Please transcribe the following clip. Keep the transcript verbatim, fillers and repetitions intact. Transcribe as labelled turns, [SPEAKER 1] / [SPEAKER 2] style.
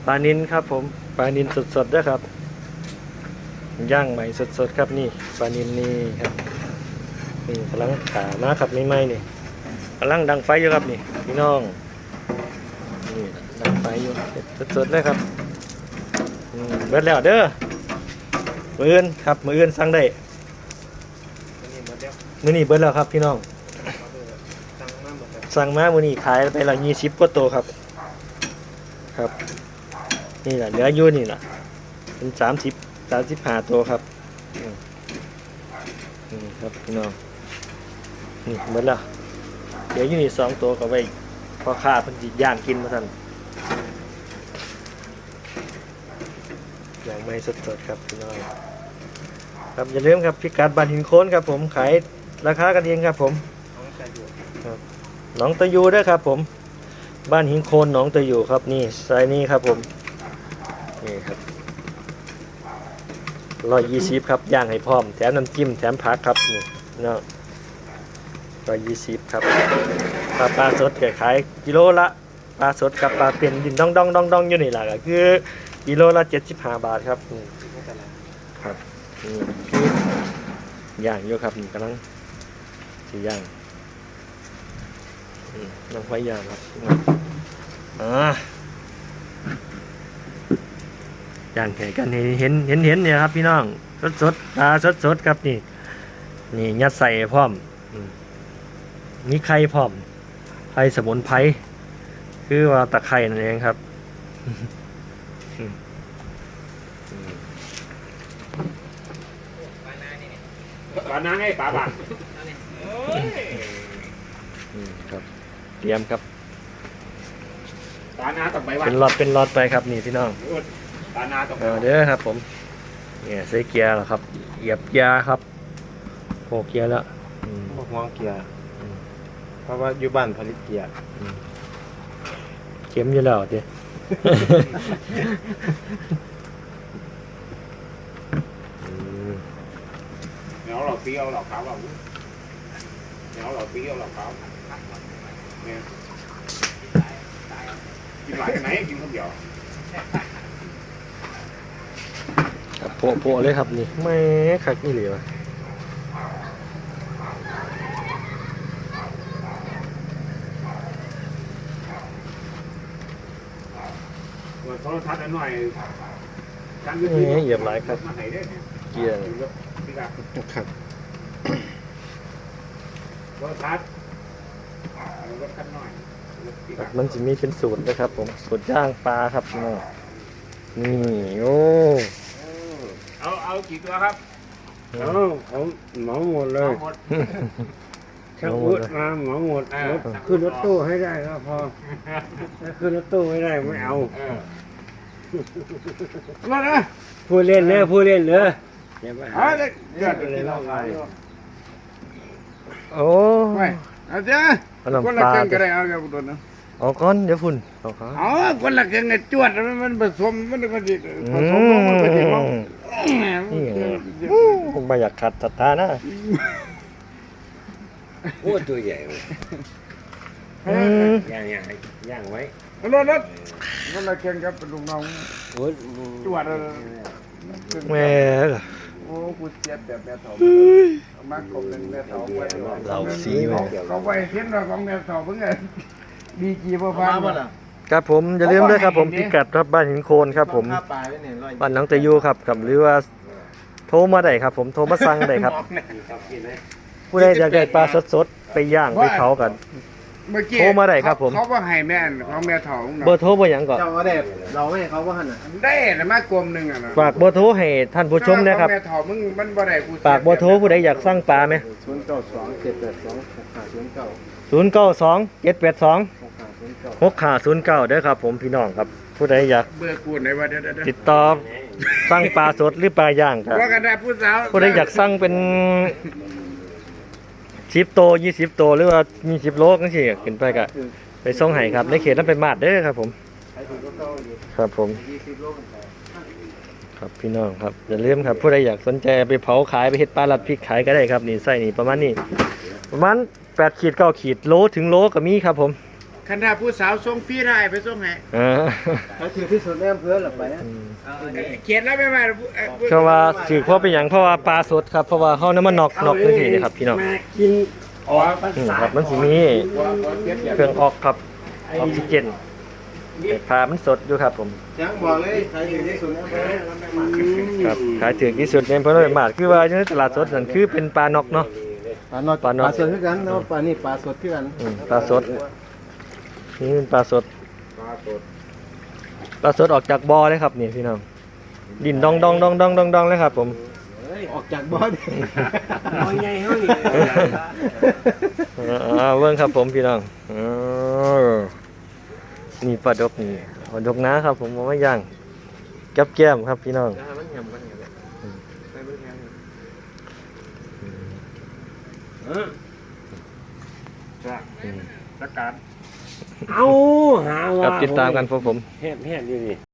[SPEAKER 1] ปลานิลครับผมปลานิลสดๆด้วยครับย่างใหม่สดๆครับนี่ปลานิลนี่ครับนี่กำลังขามาครับไม่ไหมนี่กำลังดังไฟอยู่ครับนี่พี่น้องนี่ดังไฟอยู่สดๆเลยครับเบิดแล้วเด้อมืออื่นครับมืออื่นสั่งได้มื้อนี้เบิดแล้วครับพี่น้องสั่งมามื้อนี้ขายไปละยี่สิบกว่าตัวครับครับนี่แหละเหลืออยู่นี่แหละเป็นสามสิบสามสิบห้าตัวครับนี่ครับพี่น้องนี่เบิดแล้วเหลืออยู่นี่สองตัวก็ไว้พอค่าเพิ่นสิย่างกินมาสั่นอย่างไม่สดๆครับพี่น้องครับอย่าลืมครับพิกัดบ้านหินโค้นครับผมขายราคากันเองครับผมหนองตะยูด้วยครับผมบ้านหินโคนหนองตะยูครับนี่ไซนี้ครับผมนี่ครับร้อยยี่สิบครับย่างให้พร้อมแถมน้ำจิ้มแถมผักครับนี่เนาะร้อยยี่สิบครับปลาปลาสดขายกิโลละปลาสดกับปลาเป็นดินดองดองดองดองอยู่นี่แหละก็คือกิโลละเจ็ดสิบห้าบาทครับครับนี่คือย่างอยู่ครับนี่กำลังสีย่างน้ำไฟย่างครับอ่าย่างแข่กันเห็นเห็นเห็นเนี่ยครับพี่น้องสดสดปลาสดสดครับนี่นี่ยัดใส่พร้อมมีไข่พร้อมไข่สมุนไพรคือว่าตะไคร่นั่นเองครับ
[SPEAKER 2] ปลาหน้าไงปลาบาด
[SPEAKER 1] ครับเตรียมครับ
[SPEAKER 2] ปลาหน้าต้องไปวัด
[SPEAKER 1] เป็นหลอดเป็นหลอดไปครับนี่พี่น้อง
[SPEAKER 2] ปลาหน้าต้อง
[SPEAKER 1] เอาเด้อครับผมเนี่ยใส่เกียร์แล้วครับเหยียบเกียร์ครับโผล่เกียร์แล้ว
[SPEAKER 3] พวกมองเกียร์เพราะว่าอยู่บ้านผลิตเกียร์
[SPEAKER 1] เข็มอยู่แล้วเด้
[SPEAKER 2] เนาะเราเปรี้ยวเราขาวเราเนาะเราเปรี้ยวเราขาวเนี่ยกินหลายไหนกินคนเดียว
[SPEAKER 1] ครับโผล่โผล่เลยครับนี่แม่คักนี่เหลียว
[SPEAKER 2] โทรทัศน์หน่อย
[SPEAKER 1] นี่เหยียบหลายครับเกียร์
[SPEAKER 3] ครับ
[SPEAKER 2] โทรทัศน์รถคันหน่อย
[SPEAKER 1] มันจะมีเป็นสูตรนะครับผมสูตรย่างปลาครับนี่นี่โอ้
[SPEAKER 2] เอาเอากี่ตัวครับ
[SPEAKER 3] เอาเอาเหมาหมดเลยช่างอุดมาเหมาหมดขึ้นรถตู้ให้ได้ก็พอถ้าขึ้นรถตู้ไม่ได้ไม่เอา
[SPEAKER 2] มาเลย
[SPEAKER 3] พูดเล่นเลยพูดเล่นเลย
[SPEAKER 2] เฮ้ยเดือดเลยเราไง
[SPEAKER 1] โอ้
[SPEAKER 2] ไม่อาจารย์คนละเก่งก็ได้เอาอย่างตัวนั้น
[SPEAKER 1] เอาก้อนเดี๋ยวฝุ่นเอาก้อน
[SPEAKER 2] อ๋อคนละเก่งไอ้จวดมันมันผสมมันมันผสมมันผสม
[SPEAKER 1] นี่ผมไม่อยากขัดศรัทธานะ
[SPEAKER 3] โอ้ตัวใหญ่เลยย่างย่างย่างไว้
[SPEAKER 2] รถรถคนละเก่งครับเป็นลุงน้องจวด
[SPEAKER 1] แม่
[SPEAKER 2] โอ้กูเจ็บแบบแม่ถอมากบเป็นแม่ถอไว้
[SPEAKER 1] เราสีไว้
[SPEAKER 2] เขาไว้เทียนเราของแม่ถอเพิ่งไงดีจีพ่อพัน
[SPEAKER 1] ครับผมอย่าลืมด้วยครับผมพิกัดครับบ้านหินโคนครับผมบ้านหนองตะยูครับกับหรือว่าโทรมาได้ครับผมโทรมาสั่งได้ครับผู้ใดอยากได้ปลาสดๆไปย่างไปเผากันโทรมาได้ครับผม
[SPEAKER 2] เขาว่าให้แม่ของแม่ถอ
[SPEAKER 1] เบอร์โทรเบอร์หยังก่อน
[SPEAKER 3] เจ้าก็ได้เราไม่เขาว่าหัน
[SPEAKER 2] ได้แต่มากลมหนึ่งอ่ะนะ
[SPEAKER 1] ฝากเบอร์โทรให้ท่านผู้ชมนะครับ
[SPEAKER 2] แม่ถอมึงมันบ่ได้กู
[SPEAKER 1] ฝากเบอร์โทรผู้ใดอยากสั่งปลาไหม
[SPEAKER 3] ศูนย์เก้าสองเจ็ดแปดสองหกห้าศูนย์เก้า
[SPEAKER 1] ศูนย์เก้าสองเจ็ดแปดสองหกห้าศูนย์เก้าเด้อครับผมพี่น้องครับผู้ใดอยาก
[SPEAKER 2] เบอร์กูไหนวะเดี๋ยว
[SPEAKER 1] ติดต่อสั่งปลาสดหรือปลาย่างครับ
[SPEAKER 2] ว่ากันได้ผู้สาว
[SPEAKER 1] ผู้ใดอยากสั่งเป็นสิบโตยี่สิบโตหรือว่ามีสิบโลก็สิขึ้นไปกะไปส่งให้ครับในเขตนั้นเป็นมาดเด้อครับผมครับผมครับพี่น้องครับอย่าลืมครับผู้ใดอยากสนใจไปเผาขายไปเฮ็ดปลาลัดพริกขายก็ได้ครับนี่ไส้นี่ประมาณนี้ประมาณแปดขีดเก้าขีดโลถึงโลก็มีครับผม
[SPEAKER 2] คันถ้าผู้สาวส่งฟรีได้ไปส่งให้
[SPEAKER 1] เออ
[SPEAKER 3] เขาถือที่สุดในอำเภอหรอไปนะ
[SPEAKER 2] เขียนแล้วไม่มา
[SPEAKER 1] เพราะว่าถือเพราะเป็นหยังเพราะว่าปลาสดครับเพราะว่าเฮาน้ำมันนอกนอกจังซี่นี่ครับพี่น้อง
[SPEAKER 3] มากินออกภา
[SPEAKER 1] อืม
[SPEAKER 3] ษา
[SPEAKER 1] ครับมันสิมีเครื่องออกครับออกซิเจนให้ปลามันสดอยู่ครับผม
[SPEAKER 3] ยังบอกเลยใครถือที่สุดในอำเภอ
[SPEAKER 1] ครับขายถึงที่สุดในเพราะว่ามาดคือว่าอยู่ในตลาดสดนั่นคือเป็นปลานอกเนาะ
[SPEAKER 3] ปลาหนอด
[SPEAKER 1] ปลาหนอด
[SPEAKER 3] ปลาสดคือกันเนาะปลานี่ปลาสดคือกัน
[SPEAKER 1] อืมปลาสดนี่เป็นปลาสด
[SPEAKER 2] ปลาสด
[SPEAKER 1] ปลาสดออกจากบ่อเลยครับนี่พี่น้องดินดองดองดองดองดองดองเลยครับผม
[SPEAKER 3] ออกจากบ่อดิบ่อใหญ่เฮานี่
[SPEAKER 1] อ่าเบิ่งครับผมพี่น้องอ๋อนี่ปลาดกนี่ปลาดกนะครับผมเอามาย่างกับแก้มครับพี่น้อง
[SPEAKER 3] มันยำกันอย่างไรให้มันแห้งเออ
[SPEAKER 2] ประกาศ
[SPEAKER 3] เอาหาว่า
[SPEAKER 1] ครับติดตามกันพวกผม
[SPEAKER 3] แห้งๆอยู่นี่